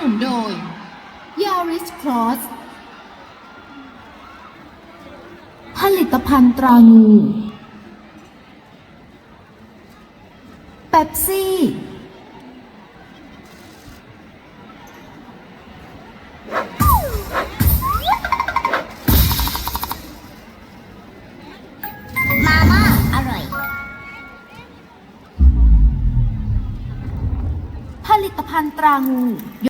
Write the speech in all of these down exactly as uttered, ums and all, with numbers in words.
นุนโดย Yaris Cross ผลิตภัณฑ์ตรางูเป๊ปซี่มาม่าอร่อยผลิตภัณฑ์ตรางู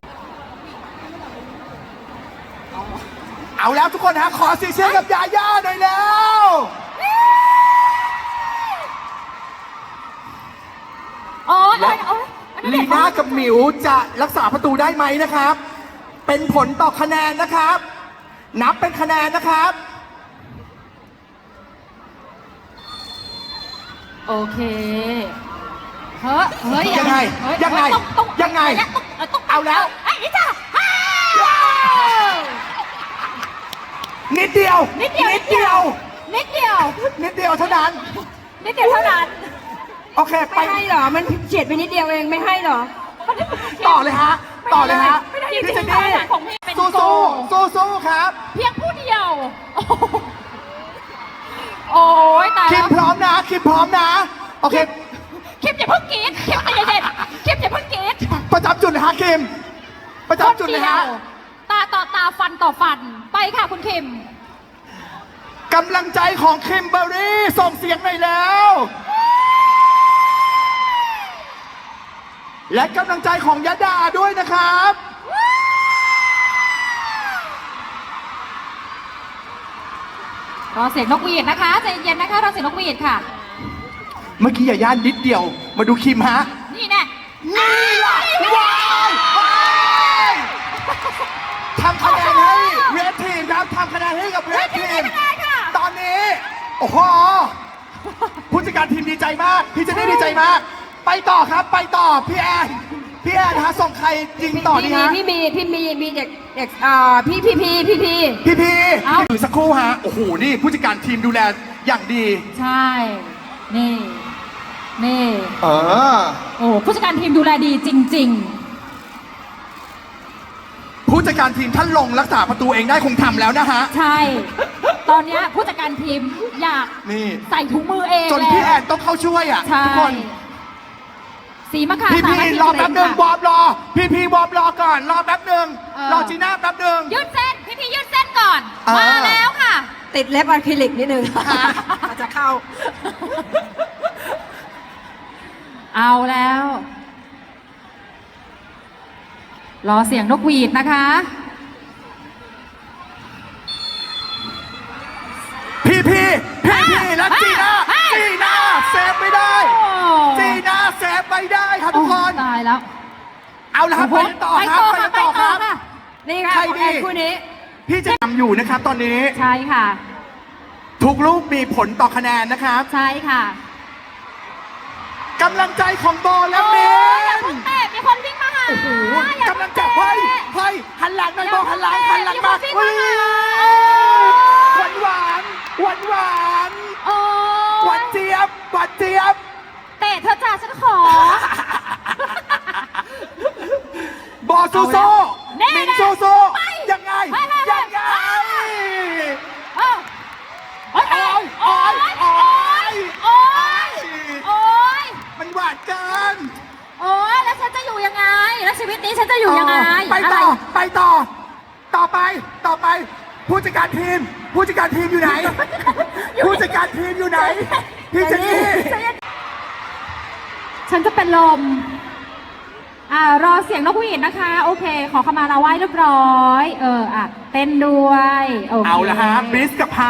เอาแล้วทุกคนฮะขอเสียงเชียร์กับยาย่าหน่อยแล้วโอ้ยและโอ้ยลีน่ากับหมิวจะรักษาประตูได้ไหมนะครับ เป็นผลต่อคะแนนนะครับ นับเป็นคะแนนนะครับโอเคเฮ้ยเฮ้ยยังไงเฮ้ยังไงต้องต้องยังไงต้องต้องเอาแล้วไอ้นี่จ้ะนิดเดียวนิดเดียวนิดเดียวนิดเดียวนิดเดียวเท่านั้นนิดเดียวเท่านั้นโอเคไปไม่ให้เหรอ มันเฉียดไปนิดเดียวเองไม่ให้เหรอต่อเลยฮะ ต่อเลยฮะไม่ได้พี่จริเจงนๆนี่ของพี่เป็นสู้โกสู้สู้สู้ๆครับเพียงผู้เดียวโอ้โหโอ้ยตายคิแล้มวพร้อมนะคิมพร้อมนะ โอเคคิมอย่าเพิ่งกรี๊ดคิมใจเย็นๆคิมอย่าเพิ่งกรี๊ดประจำจุดเลยฮะคิม ประจำจุดเลยฮะตาต่อตาฟันต่อฟันไปค่ะคุณคิมกำลังใจของคิมเบอร์รี่ส่งเสียงหน่อยแล้ว และกำลังใจของยะดาด้วยนะครับรอเสียงนกหวีดนะคะใจเย็นๆนะคะรอเสียงนกหวีดค่ะเมื่อกี้อย่าย่านนิดเดียว มาดูคิมฮะนี่แน่นี่ล่ะว้ายว้ายทำคะแนนให้เรดทีมครับทำคะแนนให้กับเรดทีม ตอนนี้ โอ้โห ผู้จัดการทีมดีใจมาก พี่เจนนี่ดีใจมาก ไปต่อครับ ไปต่อ พี่แอน พี่แอนฮะส่งใครยิงต่อดีพี่ฮะมีพี่มีพี่มีมีเด็กเด็กอ่าพี่พี่พี่พี่พี่พี่พี่เอ้าอยู่สักครู่ฮะ โอ้โห นี่ผู้จัดการทีมดูแลอย่างดีใช่ นี่ นี่เออโอ้ผู้จัดการทีมดูแลดีจริงผู้จัดการทีมท่านลงรักษาประตูเองได้คงทำแล้วนะฮะๆ ใช่ ตอนเนี้ยผู้จัดการทีมอยากนี่ใส่ถุงมือเองจนแล้วพี่แอนต้องเข้าช่วยอ่ะใช่ทุกคนสีมะขามพี่พี่สามัคคีรอแป๊บหนึ่งค่ะวอร์มรอ พี่พี่วอร์มรอก่อน รอแป๊บหนึ่งเออรอจีน่าแป๊บหนึ่งยืดเส้น พี่พี่ยืดเส้นก่อนเออมาแล้วค่ะติดเล็บอะคริลิกนิดนึงอาจจะเข้าเอาแล้ว รอเสียงนกหวีดนะคะพี่พี่พี่พี่และเฮ้ยจีน่าเฮ้ยจีน่าเซฟไม่ได้โอ้จีน่าเซฟไม่ได้ครับทุกคนโอ้ตายแล้วเอาละครับไปกันต่อครับไปกันต่อครับค่ะนี่ค่ะใครของดีแอนคู่นี้พี่จะทำอยู่นะครับตอนนี้ใช่ค่ะทุกลูกมีผลต่อคะแนนนะครับใช่ค่ะกำลังใจของโบและโอ้เมยอย่าเพิ่นงเตะมีคนวิ่งมาหาโอ้โหอย่ากำลังใจเฮ้ยเฮ้ยหันหลังหน่อยโบหันหลังหันหลังมามีเฮ้คนยวิ่งมาหาหวานหวานหวานหวานโอ้หวานเจี๊ยบหวานเจี๊ยบเตะเธอจ้าฉันขอบอซูโซแน่มินนะซูโซไปยังไงไปไปไปยังไงเอ้าโอ้ยโอ๊ยโอ๊ยโอ๊โอ้ยยโอ้ยมันหวานเกินโอ้ยแล้วฉันจะอยู่ยังไง แล้วชีวิตนี้ฉันจะอยู่ยังไงไปต่อะรไปต่อ ต่อไปต่อไป ผู้จัดการทีม ผู้จัดการทีมอยู่ไหน ผู้จัดการทีมอยู่ไหน พี่เจนนี่ฉันจะเป็นลม อ่ารอเสียงนกหวีดนะคะ โอเค ขอขมาลาไหว้เรียบร้อย เอออ่ะเต้นด้วยโอเคเอาละฮะบริสกับไฮ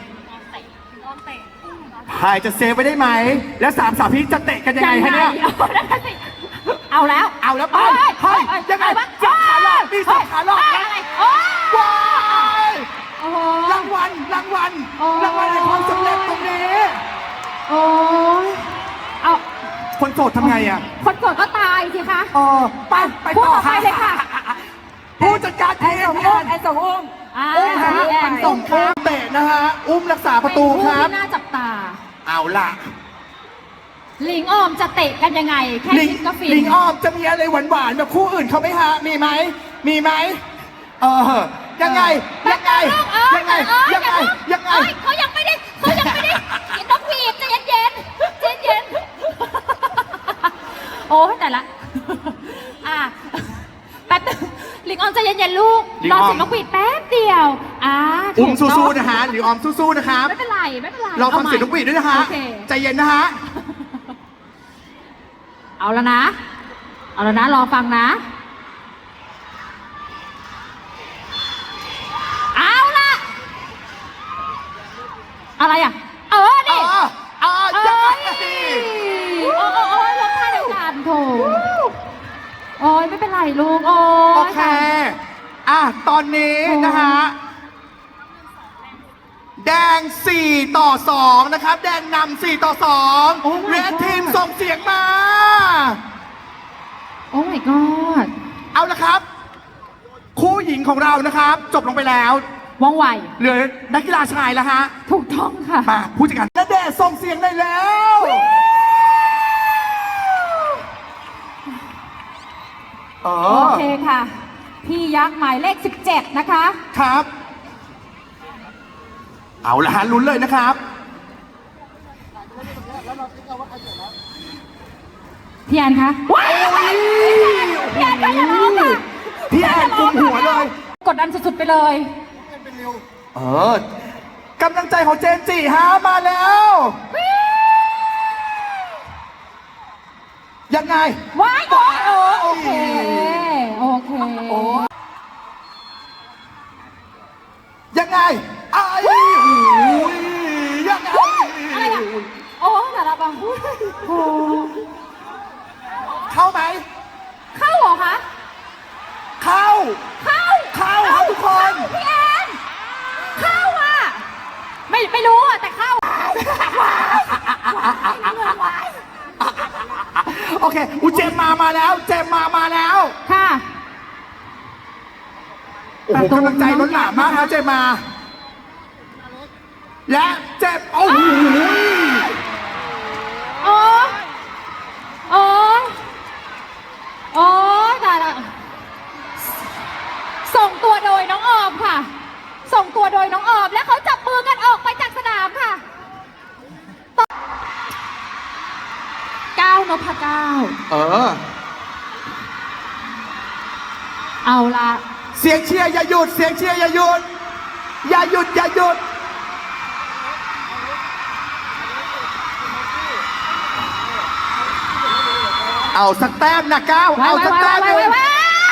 ไฮจะเซฟไว้ได้ไหม แล้วสามสาวพี่จะเตะกันยังไงฮะเนี่ยเอาแล้วเอาแล้วไปเฮ้ยยังไงวะสับขาหลอกมีสับขาหลอกเฮ้ยนะอะไรโอ้ยว้ายโอ้โหรางวัลรางวัลโอ้รางวัลในความสำเร็จตรงนี้โอ้ยเอาคนโสดทำไงอ่ะคนกดก็ตายสิคะเออไปไปพูดต่อต่อไปเลยค่ะผู้จัดการทีมส่งอุ้มไอ้ส่งอุ้มอ่าอุ้มฮะพี่แอนส่ส่งงข้ามเตะนะฮะ อุ้มรักษาประตูเป็นคผู้รับที่น่าจับตาเอาล่ะหลิงออมจะเตะกันยังไง แค่ลิงคิดก็ฟินลิงออมจะมีอะไรหวานๆแบบคู่อื่นเขาไหมฮะ มีไหมมีไหมเออยังไงยังไงยังไงยังไงยังไงเอ้ยเขายังไม่ได้เขายังไม่ได้กินนกหวีดใจเย็นๆใจเย็นๆโอ้ยแต่ละอ่ะแป๊บนึงลิงออมใจเย็นๆลูกลิงรอออมเสียงนกหวีดแป๊บเดียวอ่าถูอุ้มกต้สู้งๆนะฮะหรือออมสู้ๆนะครับไม่เป็นไรไม่เป็นไรเราฟังอาใหม่เสียงนกหวีดด้วยนะฮะโอเคใจเย็นนะฮะเอาแล้วนะ เอาแล้วนะรอฟังนะ เอาละอะไรอ่ะ เอออ๋นี่ออ๋อเอ้ยังไงยโอ้โอ้โอ้ยรถท่าเดียวกันโถโอ้ยไม่เป็นไรลูก โอ้โอย เค อ่ะ ตอนนี้นะฮะ แดงสี่ต่อสองนะครับ แดงนำสี่ต่อสองโอ้ my เรด god ทีมส่งเสียงมาโอ้ my god เอาละครับ คู่หญิงของเรานะครับ จบลงไปแล้วว่องไวเหลือนักกีฬาชายแล้วฮะถูกต้องค่ะมาผู้จัดการณเดชน์ส่งเสียงได้แล้ว เอโออเคค่ะ พี่ยักษ์หมายเลขสิบเจ็ดนะคะครับ เอาละฮะลุ้นเลยนะครับพี่แอนคะว้ายพี่แอนก็อย่าร้องค่ะพี่แอนกุมหัวเลยกดดันสุดๆไปเลยเออกำลังใจของเจนจีฮะมาแล้ว ยังไงว้ายโอ้ยโอเค โอเคยังไงไอ้โอ้ยยังไงอะไรอ่ะ โอ้แต่ละบังโอ้เข้าไหมเข้าเหรอคะเข้าเข้าเข้าครับทุกคนพี่แอนเข้าอ่ะ ไม่ไม่รู้อ่ะแต่เข้าโอเคอุยเจมมามาแล้ว เจมมามาแล้วค่ะโอ้โหกำลังใจล้นหลามมากนะเจมมา และเจมโอ้โหโอ้โอ้โอ้ตายละส่งตัวโดยน้องออมค่ะ ส่งตัวโดยน้องออม และเขาจับมือกันออกไปจากสนามค่ะก้าวนพเก้าเออเอาละเสียงเชียร์อย่าหยุด เสียงเชียร์อย่าหยุด อย่าหยุดอย่าหยุด เอาสักแต้มนะก้าวไว้เอาไว้สักไว้แต้มหไว้นึ่งไว้ไว้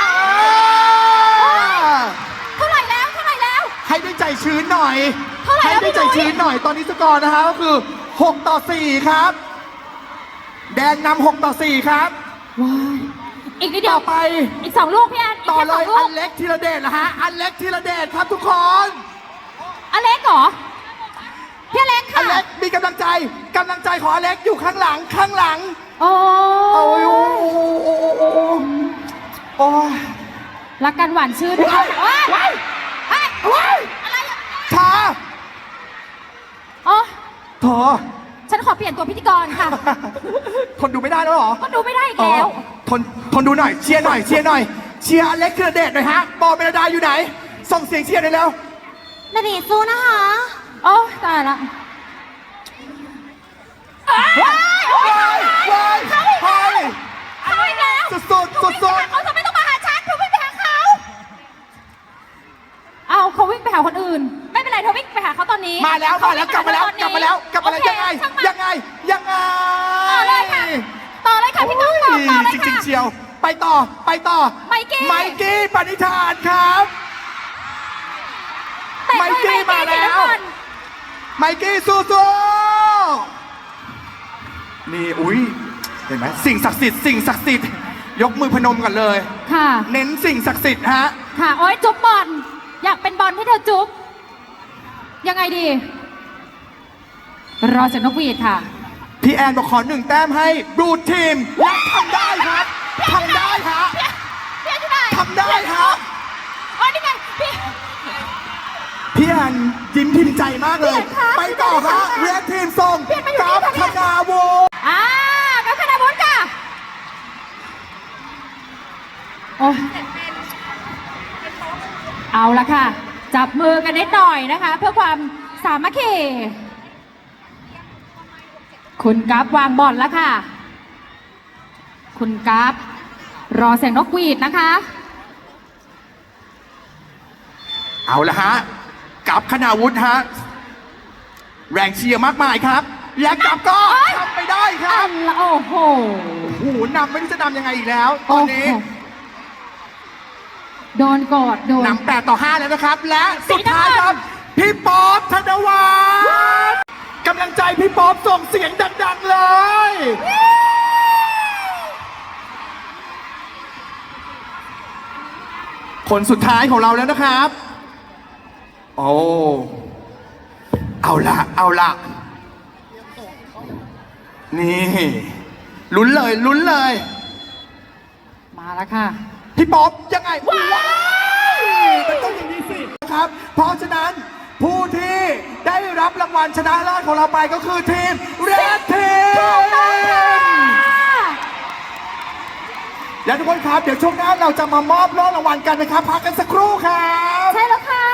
อ่าเท่าไหร่แล้วเท่าไหร่แล้วให้ได้ใจชื้นหน่อยเท่าไหร่ให้แล้วได้ใจพี่นุ้ยชื้นหน่อย ตอนนี้สกอร์นะฮะก็คือหกต่อสี่ครับ แดงนำหกต่อสี่ครับว้ายอีกนิดเดียต่วอไปอีกสองลูกพี่แอนอีกต่อแค่เลสองยลูอักนเล็กธีรเดชนะฮะ อันเล็กธีรเดชครับทุกคนอเล็กเหรอ พี่อเล็กอัค่ะนเล็กมีกำลังใจกำลังใจของอันเล็กอยู่ข้างหลังข้างหลังโอ้โอ้ยโอ้โอ้โอ้โอ้โอ้ยรักกันหวานชื่นนะคะว้ายว้ายว้ายว้ายอะไรอ่ะช้าโอ้เธอฉันขอเปลี่ยนตัวพิธีกรค่ะทนดูไม่ได้แล้วเหรอก็ดูไม่ได้อีกแล้วอ๋อทนทนดูหน่อยเชียร์หน่อยเชียร์หน่อยเชียร์อเล็กธีรเดชหน่อยฮะบอลเมลดาอยู่ไหน ส่งเสียงเชียร์หน่อยแล้วนาดีสู้นะคะโอ้ตายละว้ายโอ้ยว้ายว้ายเขาอีกเฮ้ยเขาอีกแล้วสุดสุดสุดสุดเขาทำไมต้องมาหาฉันเธอวิ่งไปหาเขา เอาเขาวิ่งไปหาคนอื่น ไม่เป็นไรเธอวิ่งไปหาเขาตอนนี้มาแล้วมาแล้วกลับมาแล้วกลับมาแล้วกลับมาแล้วโอเคยังไงช่ามันยังไงยังไงต่อเลยค่ะ ต่อเลยค่ะพี่ต้องต่อต่อเลยจริงค่ะๆเชียว ไปต่อไปต่อไมกี้ไมกี้ปณิธานครับแต่ไมกี้มาแล้ว ไมกี้สู้สู้นี่อุ้ยเห็นไหมสิ่งศักดิ์สิทธิ์สิ่งศักดิ์สิทธิ์ยกมือพนมกันเลยค่ะเน้นสิ่งศักดิ์สิทธิ์ฮะค่ะ โอ้ยจุ๊บบอล อยากเป็นบอลให้เธอจุ๊บ ยังไงดี รอจากนกหวีดค่ะพี่แอนบอกขอหนึ่งแต้มให้บลูทีมและทำได้ครับทำได้ฮะพี่แอนที่ไหนทำได้ครับอ๋อนี่ไงพี่พี่แอนยิ้มพิมพ์ใจมากเลยพี่แอนคะไปต่อครับเรดทีมส่งพี่แอนมาอยู่กับนี่ค่ะธนาโวอ่ากับคณะบุญค่ะ โอ้ยเอาละค่ะ จับมือกันนิดหน่อยนะคะ เพื่อความสามัคคี คุณกัฟวางบอลแล้วค่ะ คุณกัฟรอเสียงนกหวีดนะคะเอาละฮะกับคณาวุฒิฮะแรงเชียร์มากมายครับ และกับก็ทำไปได้ครับโอ้โหโอ้โหนำไม่รู้จะนำยังไงอีกแล้ว ตอนนี้โอ้โหโดนกอดโดนนำแปดต่อห้าแล้วนะครับ และสุดท้ายครับ พี่ป๊อปธนวัฒน์กำลังใจพี่ป๊อปส่งเสียงดังๆเลย คนสุดท้ายของเราแล้วนะครับ โอ้ เอาละเอาละนี่ลุ้นเลยลุ้นเลยมาแล้วค่ะพี่ป๊อปยังไงว้ายมันต้องอย่างนี้สินะครับ เพราะฉะนั้นผู้ที่ได้รับรางวัลชนะเลิศของเราไปก็คือทีมเรดทีมและทุกคนครับเดี๋ยวช่วงหน้าเราจะมามอบโล่รางวัลกันนะครับพักกันสักครู่ครับใช่แล้วค่ะ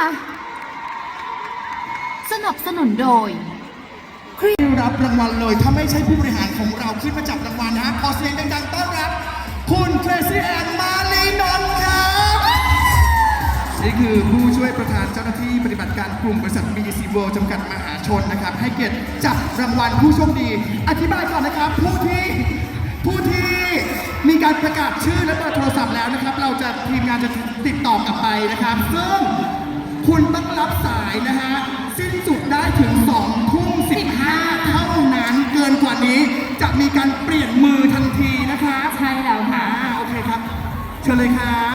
สนับสนุนโดยรับรางวัลเลยถ้าไม่ใช่ผู้บริหารของเราขึ้นมาจับรางวัลนะฮะขอเสียงดังๆต้อนรับคุณเทรซี่แอนมาลีนนท์ครับ นี่คือผู้ช่วยประธานเจ้าหน้าที่ปฏิบัติการกลุ่มบริษัท บี ดี ซี World จำกัดมหาชนนะครับ ให้เกียรติจับรางวัลผู้โชคดี อธิบายก่อนนะครับ ผู้ที่ผู้ที่มีการประกาศชื่อและเบอร์โทรศัพท์แล้วนะครับ เราจะทีมงานจะติดต่อกลับไปนะครับ ซึ่งคุณต้องรับสายนะฮะสิ้นสุดได้ถึงสองทุ่มสิบห้าเท่านั้นเกินกว่านี้จะมีการเปลี่ยนมือทันทีนะครับใช่แล้วค่ะอ่าโอเคครับ เชิญเลยครับ